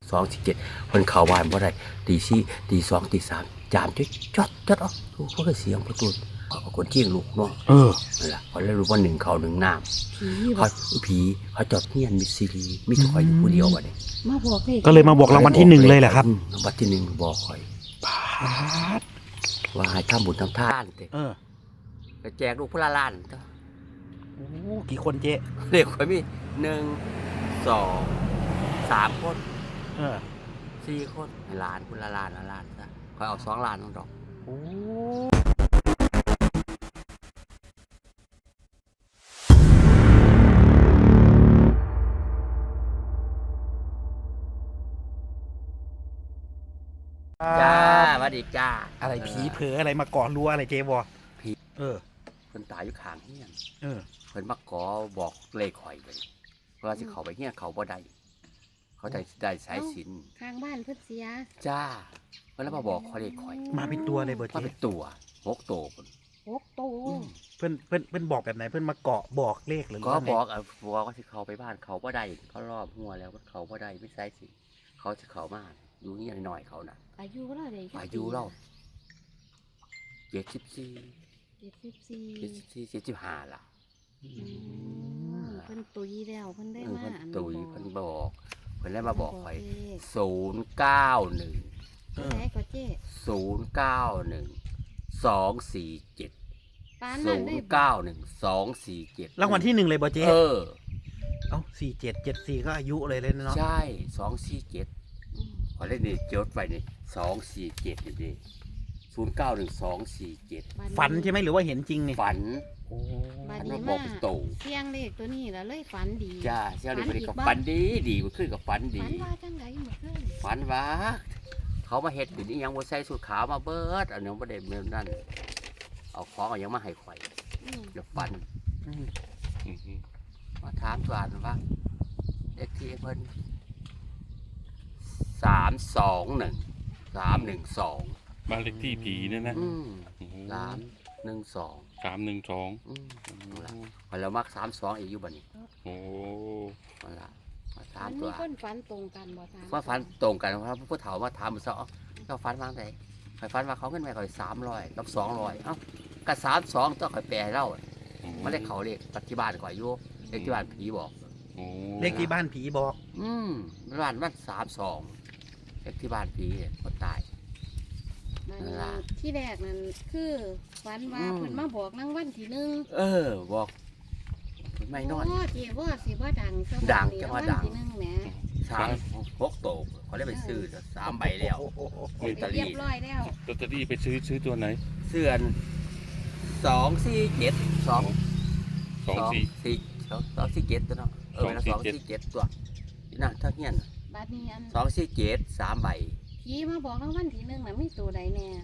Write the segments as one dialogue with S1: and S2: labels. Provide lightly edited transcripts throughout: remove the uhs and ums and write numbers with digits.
S1: 247มันเข้าบ้านบ่ได้ตีสี่ตีสองตีสามจามจดออกลูกเพิ่นเสียงประตูเขาคนเที่ยงลูกเนาะนั่นล่ะเขาเลยรู้ว่า1 เขา 1 น้ำเขาผีเขาจอดเฮียนมีซีรีมีแต่ข่อยอยู่ผู้เดียวบัดนี้
S2: มาบอกเลย
S3: ก็เลยมาบอกรางวัลที่1เลยแหละครับ
S1: รางวัลที่1บอกข่อยว่าให้ทำบุญทำทานเด้ก็แจกลูกพละล้าน
S3: โอ้กี่คนเจ๊
S1: เด็กข่อยมี1 2 3 คน4 คนล้านคนละล้านละล้านซะข่อยเอา2 ล้านน้องดอก
S3: โอ้
S1: จ้าสวัสดีจ้า
S3: อะไรผีเผลออะไรมาก่อรั้วอะไรเจ๊บอ
S1: ผีเพิ่นตายอยู่ข้างเฮียนเพิ่นมาก่อบอกเลขข่อยเลยเพราะว่าสิเข้าไปเฮียนเขาบ่ได้เขาได้สายสิญจน์
S2: ข้างบ้านเพิ่นเสีย
S1: จ้าเพิ่นแล้วมาบอกเขาเลขข่อย
S3: มาเป็นตัวเลยบ่เจ๊
S1: มาเป็นตัว6 ตัวเพิ่น
S2: 6 ตัว
S3: เพิ่นบอกแบบไหนเพิ่นมาเกาะบอกเลขหรือ
S1: ก็บอกว่าสิเข้าไปบ้านเขาบ่ได้เขารอบหัวแล้วเขาบ่ได้มีสายสิญจน์เขาสิเข้ามาอยู่เฮียนหน่อยเขาน่ะ
S2: อายุเท่าใด
S1: อายุเรา75ล่ะ
S2: เพิ่นตุยแล้วเพิ่นได้มาอัน
S1: ตุยเพิ่นบอกเพิ่นเลยมาบอกข่อย091
S2: ไหนก็เจ๊
S1: 091 247 091 247
S3: รางวัลที่1เลยบ่เจ๊
S1: เอ้า
S3: 47 74ก็อายุเลยเนาะ
S1: ใช่247ขอเล่นนี่จดไว้นี่247นี่ดิ091247
S3: ฝันใช่ไหมหรือว่าเห็นจริงนี่
S1: ฝัน
S2: บัดนี้มาเสียงเลขตัวนี้แล้วเลยฝันดี
S1: จ้าเสียงเลขก็ฝันดีมันขึ้นกับฝันดี
S2: ฝันว่าจังได๋มื้อคืน
S1: ฝันว่าเขามาเฮ็ดอยู่นี่ยังบ่ใส่สูทขาวมาเบิดอันนี้บ่ได้แบบนั้นเอาของเอายังมาให้ข่อยเดี๋ยวฝันมาถามตัวอ่านว่าเลขที่เพิ่น321 312
S4: บ้านเลขที่ผีเนี่ยนะ
S1: 312แล้วมัก32อีกอยู่บัดนี้
S4: โอ้
S1: นั่นล่ะมาถา
S2: ถาม มตัวคนฝันตรงกันบ่ถาม
S1: ว่าฝันตรงกันเพราะผู้เฒ่ามาถามมื้อเช้าเจ้าฝันว่าไงข่อยฝันว่าเขาเงินแม่ข่อย300กับ200เอ้าก็32ต้องข่อยแปลให้เล่ามันเลขเขาเลขปัจจุบันข่อยอยู่เลขที่บ้านผีบอก
S3: เลขที่บ้านผีบอก
S1: บ้านมัน32เลขที่บ้านผีคนตาย
S2: ที่แรกนั่นคือฝันว่าเพิ่นมาบอกรางวัลที่1
S1: บอกไม่นอน
S2: โอ้เจ๊ว่าสิบ่ดัง
S1: จังว่าดัง
S2: ที่1แหม
S1: 6 โตเขาได้ไปซื้อ3 ใบแล้ว
S2: เรียบร้อยแล้ว
S4: ลอตเตอรี่ไปซื้อตัวไหน
S1: เสื้อ247 247ตัวเนาะเวลา247ตัวนั่นเท่าเฮียน
S2: บัดนี้อัน
S1: 247 3 ใบ
S2: ผีมาบอกรางวัลที่1น่ะมีตัวใดแน่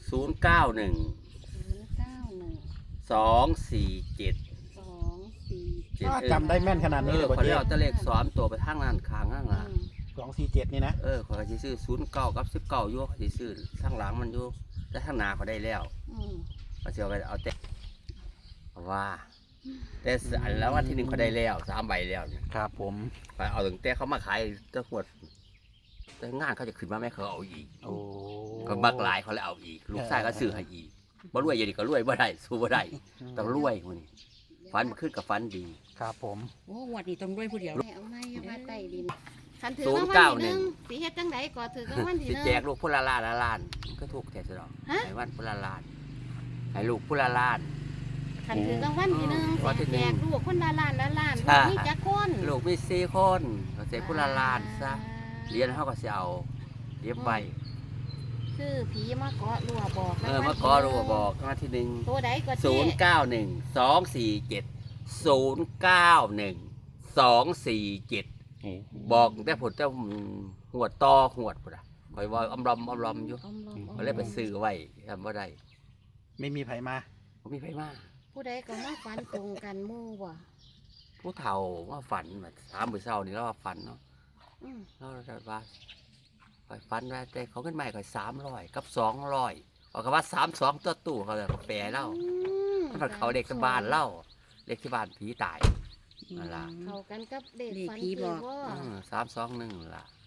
S1: 091 247
S3: จำได้แม่นขนาดนี้เลย
S1: เขาเรียกเอาเลข3 ตัวไปทางนั้นข้างล่าง
S3: 247นี่นะ
S1: เขาจะซื้อ09กับ19อยู่เขาจะซื้อข้างหลังมันอยู่แต่ข้างหน้าเขาได้แล้วเขาจะเอาแต่ว่าแต่อันแล้ววันที่1เขาได้แล้ว3 ใบแล้ว
S3: ครับผม
S1: ไปเอาถึงแต่เขามาขายตะขวดแต่งานเขาจะขึ้นมาแม่เขาเอาอีกก็มักหลายเขาเลยเอาอีกลูกชายก็ซื้อให้อีกบ่รวยอย่างนี้ก็รวยบ่ได้สู้บ่ได้ต้องรวยคนนี้ฟันมันขึ้นกับฟันดี
S3: ครับผม
S2: โอ้วัดนี้ต้องรวยผู้เดียวเอาไม้มาใต้ดินคันถือรางวัลที่1สิเฮ็ดจังได๋ก็ถือรางวัลที่1
S1: สิแจกลูกพุละล้านมันก็ถูกแท้ซะดอกให้วันพุละล้านให้ลูกพุละล้าน
S2: คันถือรางวัลที่1สิแจกลูกคนละล้านมีจักคน
S1: ลูกมี4 คนก็ใส่พุละล้านซะเรียนเฮาก็สิเอาเรียบไว้
S2: คือผีมาเกาะรัวบอก
S1: มาเกาะรัวบอกมาที่1
S2: ตัวใดก็
S1: 091 247บอกแต่ผลเจ้าหัวต่อหัวพุ่นน่ะคอยว่าอำลอมอยู่ก็เลยไปซื้อไว้ทำบ่ได้
S3: ไม่มีไผมา
S1: บ่มีไผมา
S2: ผู้ใดก็มาฝันตรงกันหมู่บ่
S1: ผู้เฒ่าว่าฝันแบบ3 มื้อเช้านี่แล้วว่าฝันเนาะแล้วว่าฝันว่าแต่เขาเงินใหม่ก็300กับ200เอาก็ว่า32ตัวตู้เขาเลยก็แปลเล่ามันเขาเด็กที่บ้านเล่าเด็กที่บ้านผีตายนั่นล่ะ
S2: เข้ากันกับเด็กฝันผีบอก
S1: 321ล่ะ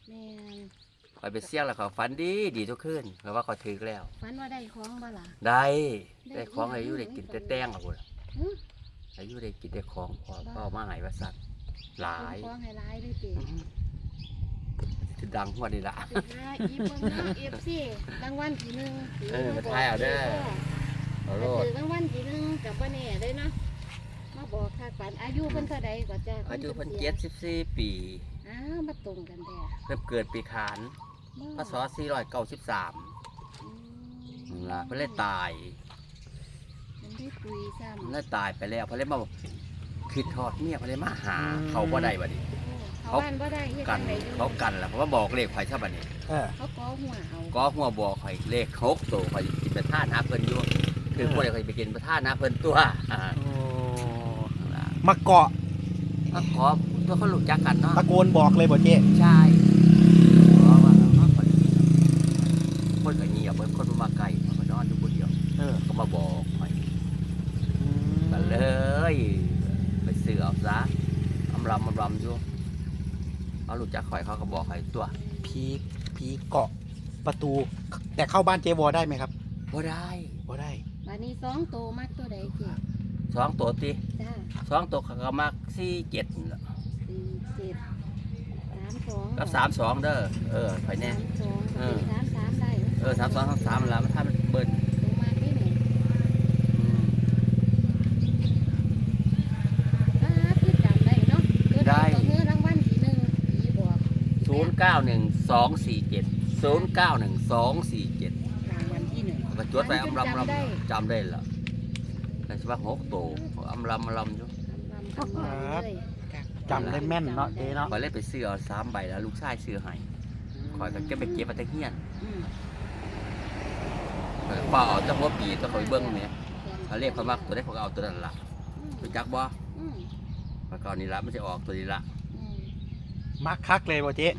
S2: แม่น
S1: ข่อยไปเสี่ยงแล้วเขาฝันดีดีทุกคืนเพราะว่าเขาถือแล้ว
S2: ฝันว่าได้ของบ่ล่ะ
S1: ได้ของอายุได้กินแต่แต้งอ่ะพุ่น
S2: หึ
S1: อายุได้กินแต่ของพอเป้ามาใหายว่าสัตว์หลาย
S2: ของให้หลายด้วยติ
S1: สิดังหัวนี่ละ
S2: สุดท้ายอีเบิ่งเนาะ FC รางวัลที่หนึ่ง
S1: มาทายเอาเด้อเอาโลด
S2: ถือรางวัลที่หนึ่งกับบ่แน่เด้เนาะมาบอกค่าฝันอายุเพิ่นเท่าใดก็จะ
S1: อายุเพิ่น
S2: สีย
S1: 74 ปี
S2: อ้าวมาตรงกันแท้
S1: เพิ่นเกิดปีขาน พศ493
S2: อืม
S1: นั่นล่ะเพิ่นเลยตาย
S2: มันได้คุยซ้ำ
S1: เพิ่นเลยตายไปแล้วเพิ่นเลยมาคิดทอดเมียเพิ่นเลยมาหาเขาบ่ได้บัดนี้
S2: เขาบ้านบ่ได้เฮ็ด
S1: กั
S2: จั
S1: น
S2: งไดอยู่
S1: เขากันล่ะเพราะว่าบอกเลขข่อยซะบัดนี้
S3: เออ
S2: เขาก่อหัวเอา
S1: ก็หัวบอกข่อยเลข6ตัวข่อยกินประทานหาเพิ่นอยู่คือบ่ได้ข่อยไปกินประทานหาเพิ่นตัวนั่นล่ะ
S3: มาเกาะ
S1: ก็ขอตัวเขารู้จักกันเนาะ
S3: ตะโกนบอกเลยบ่เจ๊
S1: ใช่เพราะว่าเขาคนก็เงียบเหมือนคนมาไกลมานอนอยู่คนเดียว
S3: เออ
S1: ก็มาบอกข่อยกันเลย ไปซื้อเอาซะอำลำอยู่เขารู้จักข่อยเขาก็บอกข่อยตัว
S3: ผีเกาะประตู แต่เข้าบ้านเจวอได้ไหมครับ
S1: บ่ได้
S3: บ่ได้
S2: บัดนี้2โตมักตัวใดเจ๊
S1: 2 ตัวติ
S2: จ้า
S1: 2ตัวเขาก็มัก47นั่นล่ะ
S2: 4 7 3 2
S1: กับ32เด้อข่อยแน่
S2: 3
S1: เออ
S2: 2 3 3ได้
S1: 32 33นั่นล่ะมันถ้ามันเบิ้ล
S2: ลงมาที่ไหน คือจำได้เนาะตัวใดก็เงือรางวัลที่หนึ่งผีบอก
S1: 091247 091247
S2: รางวัลที่หนึ่ง
S1: ก็จดไปอำลำจำได้ละแต่สิว่า6ตัวอำลำอยู่
S2: ลำเลย
S3: จำได้แม่นเนาะเจ๊เนาะ
S1: ข่อยเลยไปซื้อเอา3ใบแล้วลูกชายซื้อให้ข่อยก็เก็บไปเก็บมาแต่เฮียน
S2: อืม
S1: ข่อยก็เป่าเอาแต่หัวปีตัวข่อยเบิ่งแหมเขาเรียกข่อยมักตัวได้ข่อยก็เอาตัวนั้นล่ะรู้จักบ่
S2: อืม
S1: ข่อยก็เอานี่ล่ะมันสิออกตัวนี้ล่ะ
S2: อืม
S3: มักคักเลยบ่เจ๊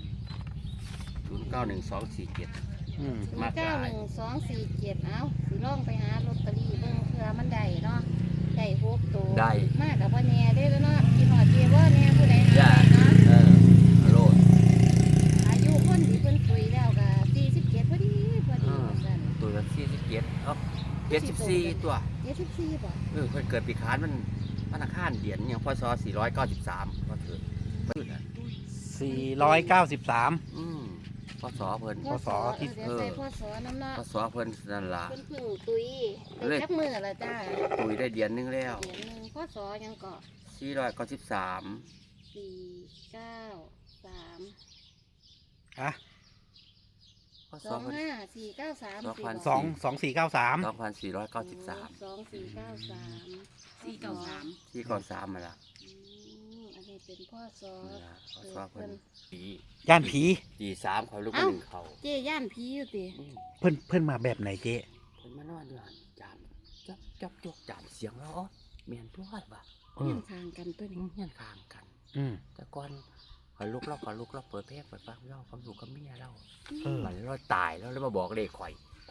S1: 091247
S3: อืม
S1: มากหลาย
S2: 91247เอ้าสิลองไปหาลอตเตอรี่เบิ่งเผื่อมันได้เนาะได้6ตัว
S1: ได้
S2: มากกับว่าแน่ได้แล้วเนาะกินหอดเจว่าแน่ผู้ใดหา
S1: จ้า
S2: ได้เนาะ
S1: โลด
S2: อายุคนที่เพิ่นคุยแล้วก็47พอดีว่าซั่น
S1: ตัวละ47เอ้า74ตัว
S2: 74บ่
S1: เพิ่นเกิดปีขานมันวันอังคารเดือนหยังพศ493ก็ถือเพิ่นน่ะ
S3: 493
S1: พศเพิ่น
S3: พศที่
S2: เดี๋ยวใส่พศน้ำเนาะ
S1: พศเพิ่นนั่นล่ะ
S2: เพิ่นเพึ่งตุย
S1: เล
S2: ได้
S1: ย
S2: จักมือละจ้า
S1: ตุยได้เดือนหนึงแล้ว
S2: เดือนหนึงพศยังเกาะ
S1: 493
S2: 493
S3: อ่ะ
S1: พศเพิ่น
S2: 25493
S3: 2493
S1: 2493
S2: 2493
S1: 493มาละ
S2: อันนี้เป็นพ่อซอ
S1: นั่นล่ะพศเพิ่นปี
S3: ย่านผี
S1: ปี3เขาลูกมา1เขา
S2: เจ๊ย่านผีอยู่ติ
S3: เพิ่นมาแบบไหนเจ๊
S1: เพิ่นมานอนอยู่หั่นจามจับจกจามเสียงแล้วแม่นตัวว่ะ
S3: เอ
S2: เฮี
S3: อย
S2: นทางกันตัวนี้
S1: เฮียนข้างกัน
S3: อืม
S1: แต่ก่อนขอยลุกเราเปิดเพลงเปิดฟังเราเขาอยู่กับเมียเรา
S3: เออ
S1: มันเราตายแล้วเลยมาบอกเลขข่อย
S3: โอ้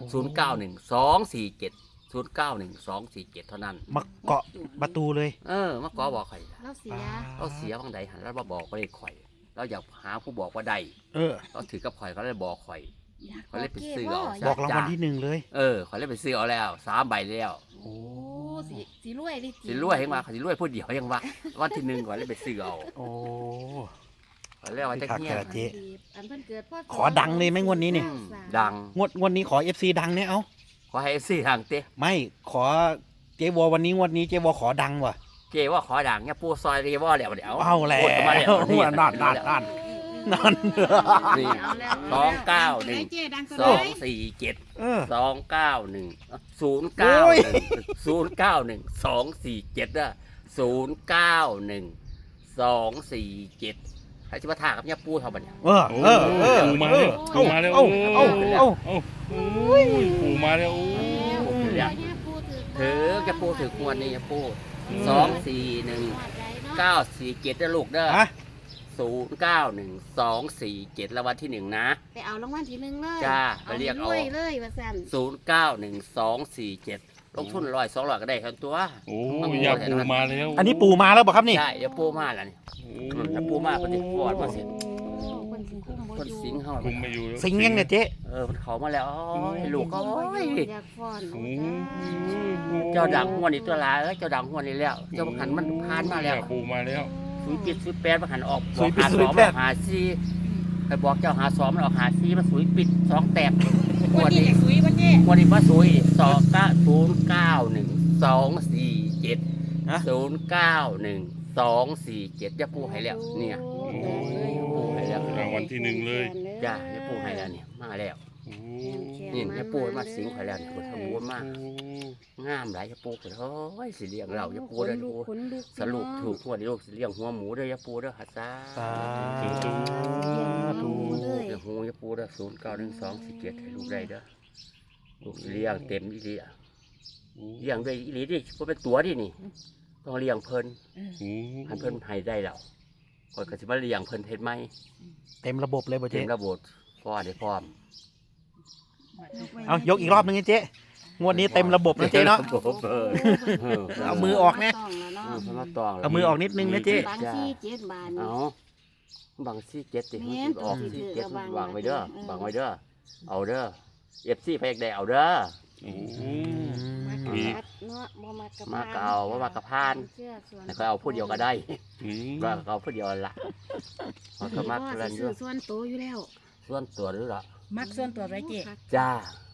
S1: 091247 เท่านั้น
S3: มาเกาะประตูเลย
S1: มาขอบอกข่อยล่ะ
S2: เราเสีย
S1: เราเสียบางใดหันแล้วมาบอกเลขข่อย เราอยากหาผู้บอกว่าใด
S3: เออ
S1: เราถือกับข่อยเขาเลยบอกข่อย
S2: อยาก
S1: เขาเลยไปซื้อ
S2: บ่
S1: เอา
S3: บอกรางวัลที่หนึ่งเลย
S1: ข่อยเลยไปซื้อเอาแล้ว3ใบแล้ว
S2: โอ้สิรวยดิ
S1: สิรวยยังว่าเขาสิรวยผู้เดียวยังว่าวันที่1ข่อยเลยไปซื้อเอา
S3: โอ้
S1: ข่อยเลยว่าจะเงี้ย
S3: คักๆ เจ๊
S2: อันเพิ่นเกิดพ่อ
S3: ขอดังเลยไหมงวดนี้นี่
S1: ดัง
S3: งวดนี้ขอ FC ดังเนี่ยเอา
S1: ขอให้ซื้อทางเต้
S3: ไม่ขอเจวอวันนี้งวดนี้เจวอขอดังว่ะ
S1: เจว่าขอดังเนี่ยปูซอยเรียว่าแล้วเดี๋ยว
S3: เอาแล้ว
S1: โคตรมาแล้ว
S3: นั่น นั่น
S1: นี่
S2: เอาแล้ว
S1: 291
S2: เจ๊ดัง
S1: 247
S3: เออ
S1: 291 091 247นะ091 247ใครจะมาถามกับเนี่ยปูเท่าบัดเนี่ย
S3: เออ
S4: โอ้
S3: เออเออ
S4: ปู่มาแล้วปู่มาแล้ว
S3: เอ้าเอ้าเอ้า
S4: เอ้าปู่มาแล้วโอ้
S1: ถือจะปูถือควรนี่จะปู241 947นะลูกเด้อ
S3: ฮะ
S1: 091247แล้ววันที่1นะ
S2: ไปเอารางวัลที่หนึ่งเลย
S1: จ้าไปเรียกเอา
S2: รวยเลยว่าซั่น
S1: 091247ลงทุน100 200ก็ได้ทั้งตัว
S4: โอ้ยาปู่มาแล้ว
S3: อันนี้ปู่มาแล้วบ่ครับนี่
S1: ใช่เดี๋ยวปูมาแล้วนี่ถ้าปูมาก็จะฟอดมาเสร็จ
S2: คนสิคุ้มบ่
S1: คนสิงเฮา
S4: คุมไม่อยู่แล้ว
S3: สิงยังเนี่ยเจ๊
S1: มันเข้ามาแล้วโอ้ยลูกก็โอ้ย
S2: อยากฟ้อน
S4: โอ้
S1: เจ้าดังหัวนี่ตัวลายเจ้าดังหัวนี่แล้วเจ้าบังหันมันผ่านมาแล้ว
S4: ปูมาแล้ว
S1: 08บังหันออกบอกหา2บอกหา4ไปบอกเจ้าหา2มันออกหา4มันสุยปิด2แตกหัว
S2: วันนี้
S1: นี่
S2: จะซุยวันนี้
S1: หัวนี่บ่สุย291247247จะปูให้แล้วเนี่ย ปูให้แล้ว
S4: รางวัลที่หนึ่งเลย
S1: จ้าจะปูให้แล้วเนี่ยมาแล้ว
S4: โอ้
S1: นี่จะปูให้มาสิงให้แล้วเนี่ยบ่ทำบุญมากงามหลายจะปูเฮ้ยสิเลี้ยงเราจะปูเด้อปูสรุปถูกหัวนี่ลูกสิเลี้ยงหัวหมูเด้อจะปูเด้อหัดซา
S3: สา
S2: ธุ
S1: เดี๋ยวหูจะปูเด้อ091247ให้ลูกได้เด้อลูกสิเลี้ยงเต็มอีหลีอะเลี้ยงด้วยอีหลีดิบ่เป็นตัวดินี่ต้องเลี้ยงเพิ่นให้เพิ่นให้ได้แล้วก่อนก็สิมาเลี้ยงเพิ่นเฮ็ดไหม
S3: เต็มระบบเลยบ่
S1: เต็
S3: เจ๊
S1: มระบบพอได้พร้อม
S3: เอายกอีกรอบนึงนะเจ๊งวดนี้เต็มระบบนะเจ๊เนาะ เอามือออกนะ
S1: เพิ่นมาตองแล้ว
S3: เอามือออกนิดนึงนะเจ๊
S2: บางที่7 บาท
S1: เอาบางซี่7ติ
S2: แม่น
S1: ออก
S2: ตัวสิ
S1: ซี่
S2: ถือ
S1: 7
S2: วาง
S1: วางไว้เด้อ
S2: เออ
S1: วางไว้เด้อเอาเด้อ FC พยักได้เอาเด้อ
S4: โอ้
S2: มากระพัดเนาะบ่มากระ
S1: มากเอาบ่มากระพาน
S2: เชื่อส่วน
S1: แล้วก็เอาผู้เดียวก็ได้ว่าเอาผู้เดียวละมันก็มัก
S2: พ่อ
S1: เล่นอ
S2: สิ
S1: ยู่
S2: ซื้อส่วนโตอยู่แล้ว
S1: ส่วนตัวหรือล่ะ
S5: มักส่วนตัวไรเจ๊
S1: จ้า